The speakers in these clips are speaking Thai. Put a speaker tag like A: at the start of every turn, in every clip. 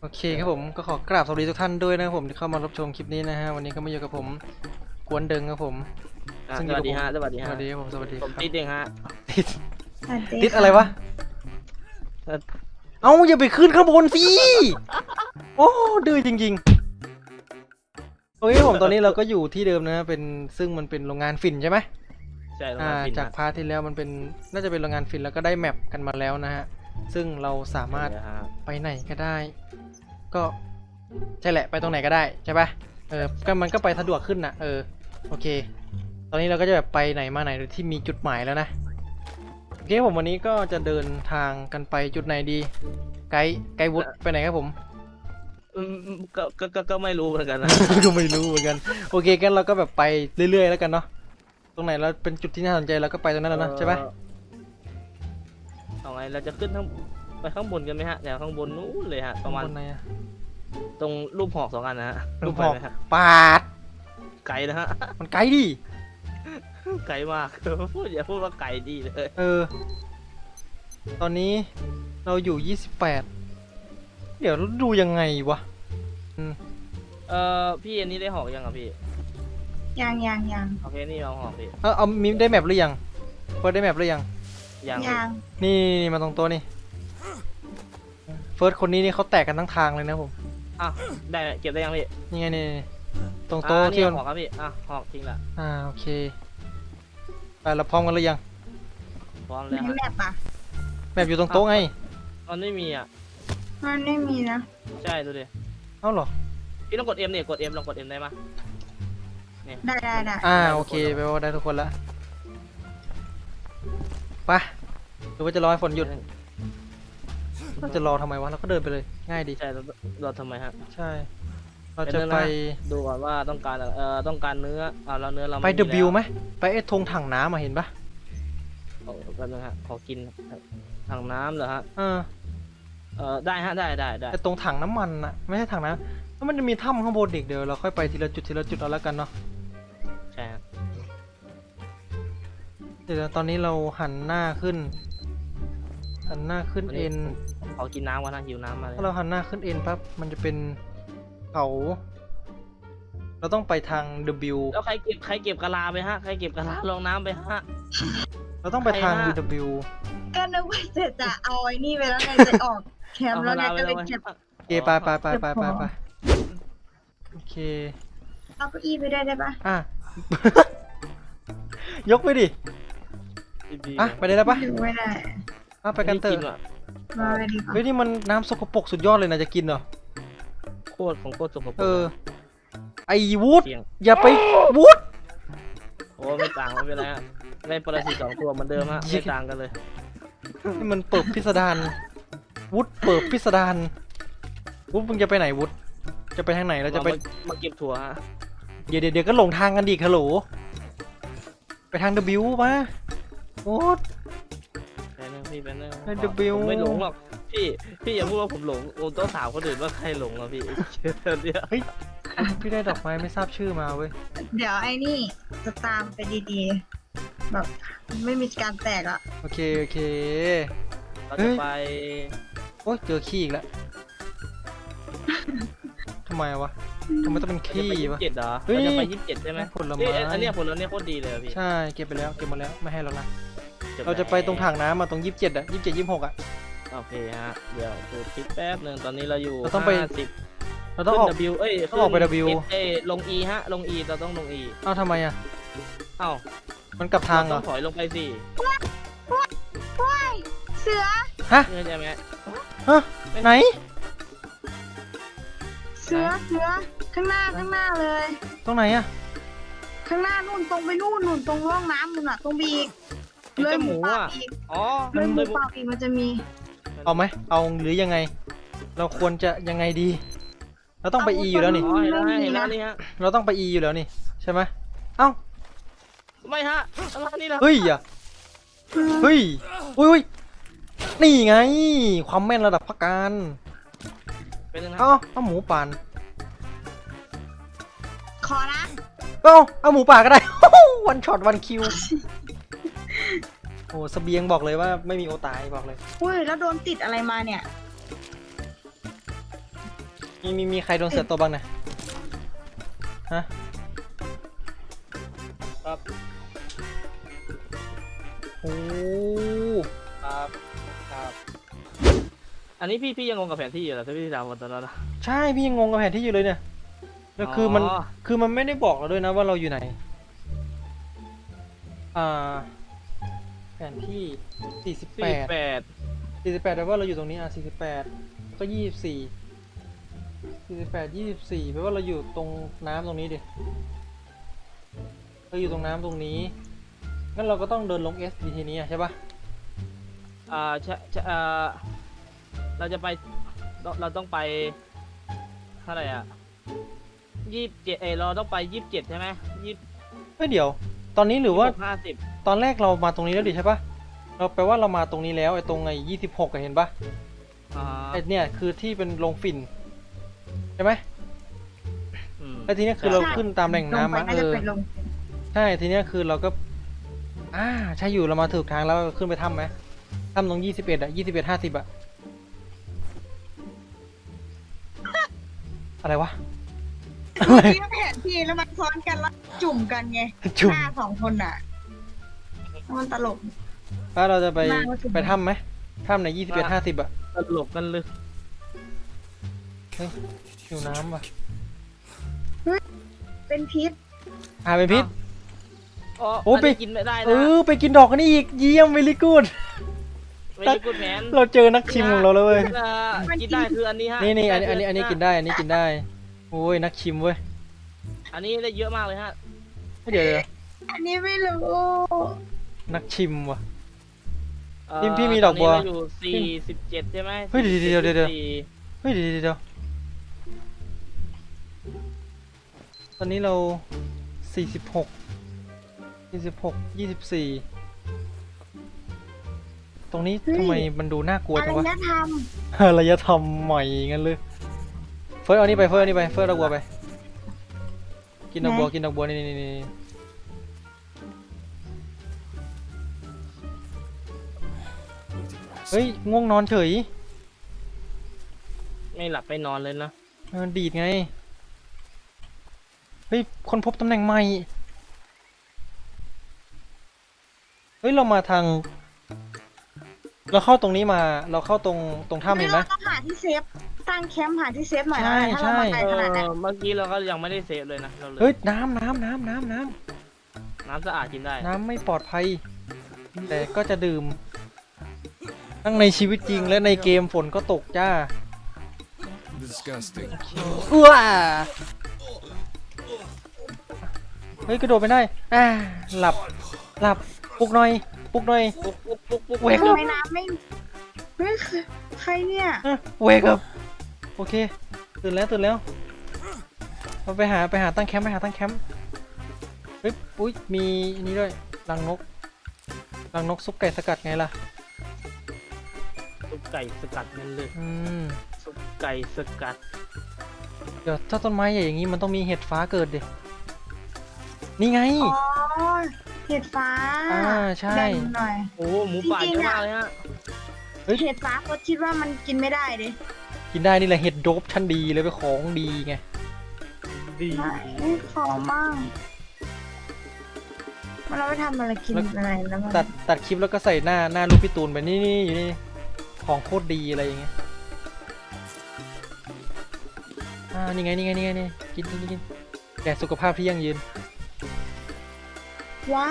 A: โอเคครับผมก็ขอกราบสวัสดีทุกท่านด้วยนะครับผมที่เข้ามารับชมคลิปนี้นะฮะวันนี้ก็มาอยู่กับผมกวนเดิงครับผม
B: สวัสดีฮะสวัสดี
A: ส
B: ฮะ
A: วัสดีครับผมสวัสดีค
B: ผ
A: รับ
B: มติดเองฮะ
A: ติด
C: สวัสดี
A: ติดอะไรวะ
B: เอ่อ
A: เอ้าอย่าไปขึ้นข้างบนสิโอ้ดื้อจริงๆโอเคผมตอนนี้เราก็อยู่ที่เดิมนะเป็นซึ่งมันเป็นโรงงานฝิ่นใช่ไหม
B: ใช่โรงงานฟิน
A: จากพาร์ทที่แล้วมันเป็นน่าจะเป็นโรงงานฝิ่นแล้วก็ได้แมปกันมาแล้วนะฮะซึ่งเราสามารถ ไปไหนก็ได้ ก็ใช่แหละไปตรงไหนก็ได้ใช่ปะก็มันก็ไปสะดวกขึ้นนะโอเค ตอนนี้เราก็จะแบบไปไหนมาไหนโดยที่มีจุดหมายแล้วนะโอเคผมวันนี้ก็จะเดินทางกันไปจุดไหนดี ไกด์วุฒไปไหนครับผม
B: ก็ไม่รู้เหมือนกันนะ
A: ก็ไม่รู้เหมือนกันโอเคกันเราก็แบบไปเรื่อยๆแล้วกันเนาะตรงไหนเราเป็นจุดที่น่าสนใจเราก็ไปตรงนั้นแล้วนะใช่ปะ
B: เอาไงเราจะขึ้นไปข้างบนกันไหมฮะแถวข้างบนนู้นเลยฮะประมาณ
A: บนไหนอะ
B: ตรงรูปหอก2 อันนะฮะ
A: รูปหอก
B: ไปไมฮะ
A: ปาด
B: ไกลนะฮะ
A: มันไกลดิ
B: ไกลมากอย่าพูดว่าไกลดีเลย
A: ตอนนี้เราอยู่28เดี๋ยวดูยังไงวะ
B: พี่อันนี้ได้หอกยังอ่ะพี่
C: ยัง
B: โอเคนี่เอาหอกพี่
A: เอามีได้แมปหรือยังเปิดได้แมปหรือยัง
B: ยัง
C: ยัง
A: นี่มาตรงตัวนี่เฟิร์สคนนี้นี่เขาแตกกันทั้งทางเลยนะผม
B: อ่ะได้เก็บได้ยังพี่
A: นี่ไงนี่ตรงโต๊ะที่
B: นี่
A: มัน
B: หอกครับพี่หอกทิ้งละ
A: โอเคไปเราพร้อมกันหรือยัง
B: พร้อม
C: ใน
B: แล้วฮะ
C: แมปอ่ะ
A: แมปอยู่ตรงโต๊ะไง
B: มันไม่มีอ่ะ
C: มันไม่มีนะ
B: ใช่ดูดิ
A: เอ้าเหรอ
B: พี่ต้องกด M เนี่ยกด M ลองกด M ได้ไหม
C: ได้
A: โอเคแปลว่าได้ทุกคนละไปหรือว่าจะรอให้ฝนหยุดเราจะรอทำไมวะเราก็เดินไปเลยง่ายดี
B: ใช่เราทำไมฮะ
A: ใช่เราจะไป
B: ดูก่อนว่าต้องการต้องการเนื้อแล้วเนื้อเรา
A: ไป
B: ม่มี
A: W ไหมไปไอ้ธงถังน้ำมาเห็นปะ
B: แป๊บนึงฮะขอกินถังน้ำเหรอฮะ ได้ฮะได้
A: ไอ้ตรงถังน้ำมันอะไม่ใช่ถังน้ำแล้วมันจะมีถ้ำข้างบนอีกเดี๋ยวเราค่อยไปทีละจุดเอาแล้วกันเนาะ
B: ใช่ฮะ
A: เดี๋ยวตอนนี้เราหันหน้าขึ้นเอ็น
B: ขอกินน้ำก่อนนะหิวน้ำมาเลย
A: ถ้าเราหันหน้าขึ้นเอ็นปั๊บมันจะเป็นเขาเราต้องไปทาง W
B: แล้วใครเก็บกะลาไปฮะใครเก็บกะลาลงน้ำไปฮะ
A: เราต้องไปทาง
B: ใครนะ
A: W
C: ก็นึกว่าจะเอาไอ้นี่ไปแล้วไงจะออกแคมป์แล้วไงก็เลยเก็บ
A: โอเคไปโอเค
C: เอาเก้าอี้ไปด้วยได้ปะ
A: ยกไปดิไปได้แล้วปะ
C: อยู่ไม่ได้
A: ไปกันเถอะ
C: มาไปดีกว่า
A: เฮ้ยนี่มันน้ำสกปรกสุดยอดเลยนะจะกินเหรอ
B: โคตรสกปรก
A: ไอ้วูด
B: เสียง
A: อย่าไปวูด
B: โอ้ไม่ต่างไม่เป็นไรฮะได้ปรสิต2 ตัวเหมือนเดิมฮะไม่ต่างกันเลย
A: นี่มันเปิดพิสดารวูดเปิดพิสดารวูดมึงจะไปไหนวูดจะไปทางไหนเราจะไป
B: มาเก็บถั่วฮะ
A: เดี๋ยวก็หลงทางกันดิฮัลโหลไปทาง W มาวูด
B: ไปนึงพี่ไปนึง
A: ให้ W
B: ผมไม่หลงหรอกพี่อย่าพูดว่าผมหลงผมต้องถามคนอื่นว่าใครหลงอ่ะพี่เนี่ย
A: พี่ได้ดอกไม้ไม่ทราบชื่อมาเว้ย
C: เดี๋ยวไอ้นี่จะตามไปดีๆแบบไม่มีการแตกอ่ะ
A: โอเค
B: เราจะไป
A: โอ้ยเจอขี้อีกแล้วทำไมวะทำไมต้องเป็นขี้วะ
B: 27เหรอ
A: เฮ้ย
B: เราจะไป27ใช่ไหม
A: ผลไม้
B: อันเนี้ยผลโคตรดีเลยอะพี่
A: ใช่เก็บหมดแล้วไม่ให้แล้วนะเราจะไปตรงถังน้ำมาตรง27อะ27 26อะ
B: โอเคฮะเดี๋ยวดูคลิปแป๊บหนึ่งตอนนี้เราอยู่
A: เราต้องไป
B: 50
A: เราต้องออก
B: ขึ้น W
A: ต้องออกไป W
B: ลง E ฮะลง E เราต้องลง E
A: เอ้าทำไมอะ
B: เอ้า
A: มันกลับทางเหร
B: ต้
A: อ
B: องถอยลงไปสิ
C: ว้ายเสือ
A: ฮะ
B: เข้าใจไหม
A: ไหน
C: เสือข้างหน้าเลย
A: ตรงไหนอะ
C: ข้างหน้านู่นตรงไปนู่นตรงร่องน้ำนู่นอ่ะตรงบีก
B: ไอ้เจ้าหมู
C: ป่า
B: อ่ะ
C: อีก
B: อ๋อ
C: เลยหมูป่าอีกมันจะมี
A: เอาไหมเอาหรือยังไง เราควรจะยังไงดี เราต้องไป E อยู่แล้วนี่
B: อ๋อเห็นแล้วนี่ฮะ
A: เราต้องไป E อยู่แล้วนี่ใช่ไหมเอ้า
B: ไม่ฮะอะไรนี่ล่ะ
A: เฮ้ยอุ้ยนี่ไง ความแม่นระดับพักการ
B: เป็นยังไง
A: เอาหมูป่าน
C: ขอนะ
A: เอาหมูป่าก็ได้ วันช็อตวันคิว โอ้เสบียงบอกเลยว่าไม่มีโอตายบอกเลย
C: อุ้ยแล้วโดนติดอะไรมาเนี่ย
A: มีใครโดนเสือตัวบ้างนะฮะ
B: ครับ
A: โอ้
B: ครับครับอันนี้พี่ยังงงกับแผนที่อยู่เหรอที่พี่ถามวันตอนนั้นนะ
A: ใช่พี่ยังงงกับแผนที่อยู่เลยเนี่ยแล้วคือมันไม่ได้บอกเราด้วยนะว่าเราอยู่ไหนแผนที่48
B: 48
A: แปลว่าเราอยู่ตรงนี้48ก็24แปลว่าเราอยู่ตรงน้ำตรงนี้ดิเราอยู่ตรงน้ำตรงนี้งั้นเราก็ต้องเดินลง S ทีนี้ใช่ปะ
B: ใช่เราจะไปเราต้องไปเท่าไหร่อ่ะ27เราต้องไป27ใช่ไหม
A: เฮ้ยเดี๋ยวตอนนี้หรือว่า
B: 50
A: ตอนแรกเรามาตรงนี้แล้วดิใช่ปะเราแปลว่าเรามาตรงนี้แล้วไอ้ตรงไอ้26อะเห็นปะไอ้เนี่ยคือที่เป็นลงฝิ่นใช่ไหมแล้วทีนี้คือเราขึ้นตามแหล่งน้ำมา
C: ลงไปน่าจะเป็นลง
A: ใช่ทีนี้คือเราก็ใช่อยู่เรามาถูกทางแล้วขึ้นไปถ้ำไหมถ้ำตรง21อะ21 50อะอะไรวะ
C: ที่แผนที่แล้วมันซ้อนกันแล้วจุ่มกันไง
A: จุ่ม
C: หน้าสองคนอ่ะมันตลก
A: แล้วเราจะไป
C: มาว่าจุ่ม
A: ไปถ้ำไหมถ้ำใน21 50อะ
B: ตลกกันเลย
A: อยู่น้ำว่ะ
C: เป็นพิษ
A: เป็นพิษ โอ้
B: โอ้
A: ไป
B: ไปกินไม่ได้นะ
A: ไปกินดอกกันนี่อีกเยี่ยมเวลี่กูด
B: ไม่ได้กูดแมน
A: เราเจอนักชิมของเราแล้วเว้ย
B: กินได้คืออันนี้ฮะ
A: นี่อันนี้กินได้อันนี้กินได้โอ้ยนักชิมเว้ย
B: อันนี้ได้เยอะมากเลยฮะ
A: เดี๋ยว
C: อันนี้ไม่รู้
A: นักชิมว่ะ พี่มีดอกบัว
B: ตนนี้เราอยู่47ใช่ไหม
A: เฮ้ยเดี๋ยว
B: 44
A: เฮ้ยเดี๋ยวตอนนี้เรา46 24ตรงนี้ทำไมมันดูน่ากลัว
C: อะ
A: จั
C: ไรง
A: วะ
C: นะท
A: อารยธรรมใหม่งั้นเลยเฟิร์สเอานี่ไปเฟิร์สดอกบัวไปกินดอกบัวนี่เฮ้ยง่วงนอนเฉย
B: ไม่หลับไม่นอนเลยนะ
A: ดีดไงเฮ้ยคนพบตำแหน่งใหม่เฮ้ยเรามาทางเราเข้าตรงนี้มาเราเข้าตรง
C: ำ
A: ถ้ำเห็นไหม
C: เราต้องหาที่เซฟตั้งแคมป์หาที่เซฟหน่อยนะ
A: ใช่
C: ถ้าเรามาไกลขนาดนั้น
B: เมื่อกี้เราก็ยังไม่ได้เซฟเลยนะเราเลย
A: เฮ้ยน้ำ
B: น้ำสะอาดกินได้
A: น้ำไม่ปลอดภัย แต่ก็จะดื่ม ทั้งในชีวิตจริงและในเกมฝนก็ตกจ้า
D: Disgusting.
A: เฮ้ยกระโดดไปได้หลับปลุกหน่อย
B: ปุ๊ก
A: เวก
C: ทำไมน้ำไม่เฮ้ยใครเนี่ย
A: เวกับโอเคตื่นแล้วเราไปหาตั้งแคมป์เฮ้ยอุ้ยมีอันนี้ด้วยรังนกซุปไก่สกัดไงล่ะ
B: ซุปไก่สกัดนั่นเลย ซุปไก่สกัด
A: เดี๋ยวถ้าต้นไม้ใหญ่อย่างนี้มันต้องมีเห็ดฟ้าเกิดดินี่ไง
C: อ๋อเห็ดฟ้า
A: ใช่
C: แบ่งหน่อย
B: โอ้หมูป่าเยอะมากเลยฮะ
C: เห็ดฟ้าเขาคิดว่ามันกินไม่ได้ดิ
A: กินได้นี่แหละเห็ดโดบชั้นดีเลยเป็นของดีไง
B: ดี
C: ไม่ขอบ้างมันเราไปทำอะไรกินอะไรแล้วมัน
A: ตัดคลิปแล้วก็ใส่หน้าลูกพี่ตูนไปนี่อยู่นี่ของโคตรดีอะไรอย่างเงี้ยนี่ไงกินแต่สุขภาพที่ยั่งยืน
C: ว้าว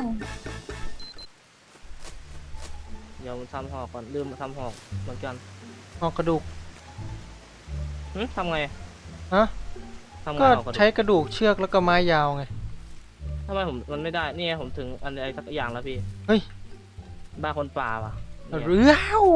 B: เดี๋ยวทำหอกก่อนลืมทำหอกเหมือนกัน
A: หอกกระดูก
B: ทำไง
A: ฮะ
B: ทำไง
A: ก็
B: หอกกระดู
A: ใช้
B: ก
A: กระดูกเชือกแล้วก็ไม้ยาวไง
B: ทำไมมันไม่ได้นี่ไงผมถึงอะไรสักอย่างแล้วพี่
A: เฮ้ย
B: บ้าคนป่าว่ะเนี่ย
A: เรือ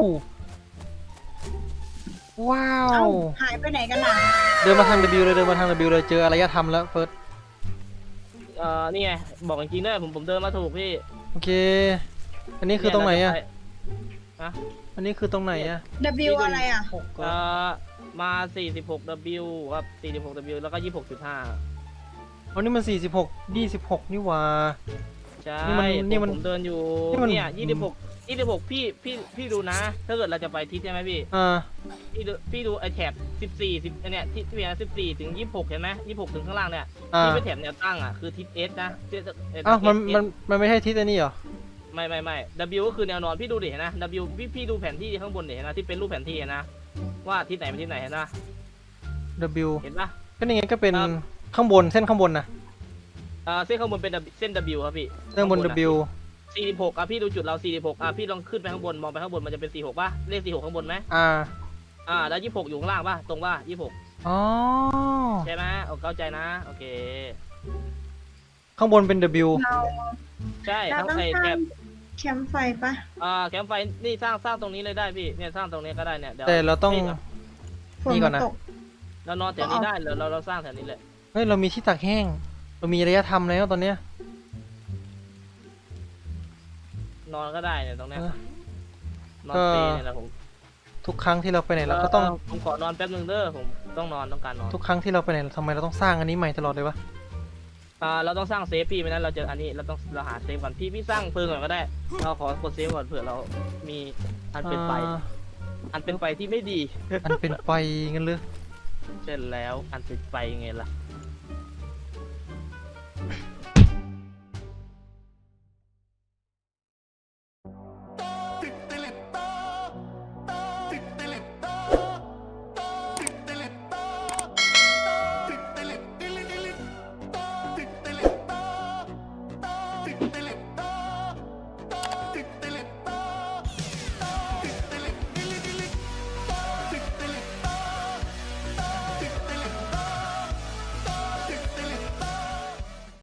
A: ว้า
C: เอ้าว หายไปไหนกันล่ะ
A: เดินมาทาง W เลยเจออารยธรรมแล้วเฟิร์ส
B: นี่ไงบอกจริงๆด้วยผมเดินมาถูกพี่
A: โอเค อันนี้คือตรงไหนอะ
B: ฮะ
A: อันนี้คือตรงไหนอะ
C: W อะไรอ่ะ
B: มา 46W ครับ 46W แล้วก็ 26.5
A: อ๋อนี่มัน46 26นี่หว่า
B: ใช่
A: นี่มัน
B: ผมเดินอยู่
A: นี่มัน
B: เนี่ย 26พี่ดูนะ ถ้าเกิดเราจะไปทิศใช่ไหมพี่ พี่ดูไอแถบ14เนี่ยที่เวีย14ถึง26เห็นไหม26ถึงข้างล่างเนี่ยที่เป็นแถบแนวตั้งอ่ะคือทิศ S นะทิศ
A: อ้าว
B: S
A: มันไม่ใช่ทิศอันนี้เหรอ
B: ไม่ W ก็คือแนวนอนพี่ดูดิเห็นนะ W พี่ดูแผนที่ข้างบนดิเห็นนะที่เป็นรูปแผนที่เห็นนะว่าทิศไหนเป็นทิศไหนเห็นนะ
A: W
B: เห็นปะ
A: ก็นี่ไงก็เป็นข้างบนเส้นข้างบนนะ
B: เส้นข้างบนเป็นเส้น W ครับพี่
A: เส้นบน W
B: 46อ่ะพี่ดูจุดเรา46อ่ะพี่ลองขึ้นไปข้างบนมองไปข้างบนมันจะเป็น46ป่ะเลข46ข้างบนไหม แล้ว26อยู่ข้างล่างป่ะตรงป่ะ26
A: อ๋อ
B: ใช่ไหมเข้าใจนะโอเค
A: ข้างบนเป็น W
B: ใช่
C: เรา
B: ทั้ง
C: ต้อง
B: ไอ
C: สร้า
B: แถ
C: ง
B: บ
C: แคมป์ไฟปะ
B: แคมป์ไฟนี่สร้างตรงนี้เลยได้พี่เนี่ยสร้างตรงนี้ก็ได้เนี่ยเดี๋ยว
A: แต่เราต้อง
B: พี่
C: ฝน
A: นี่ก่อน
C: มัน
A: นะ
C: ตก
B: เรานอนแถวนี้ได้เราสร้างแถวนี้เลย
A: เฮ้ยเรามีที่ตากแห้ง เรามีระยะทำแล้วตอนเนี้ย
B: นอนก็ได้เนี่ยตรงเนี้ย
A: เออน
B: อนเปรย์เนี่ยแหละผม
A: ทุกครั้งที่เราไปไหนเราก็ต้อง
B: ผมขอนอนแป๊บนึงเด้อผมต้องการนอน
A: ทุกครั้งที่เราไปไหนทำไมเราต้องสร้างอันนี้ใหม่ตลอดเลยวะ
B: เราต้องสร้างเซฟพี่ไม่นั้นเราจะอันนี้เราหาเซฟก่อนพี่สร้างเพิงก่อนก็ได้เราขอกดเซฟก่อนเผื่อเรามีอันเป็นไป อันเป็นไปที่ไม่ดี
A: อันเป็นไฟงั้นเลย
B: เช่นแล้วอันเป็นไปไงล่ะ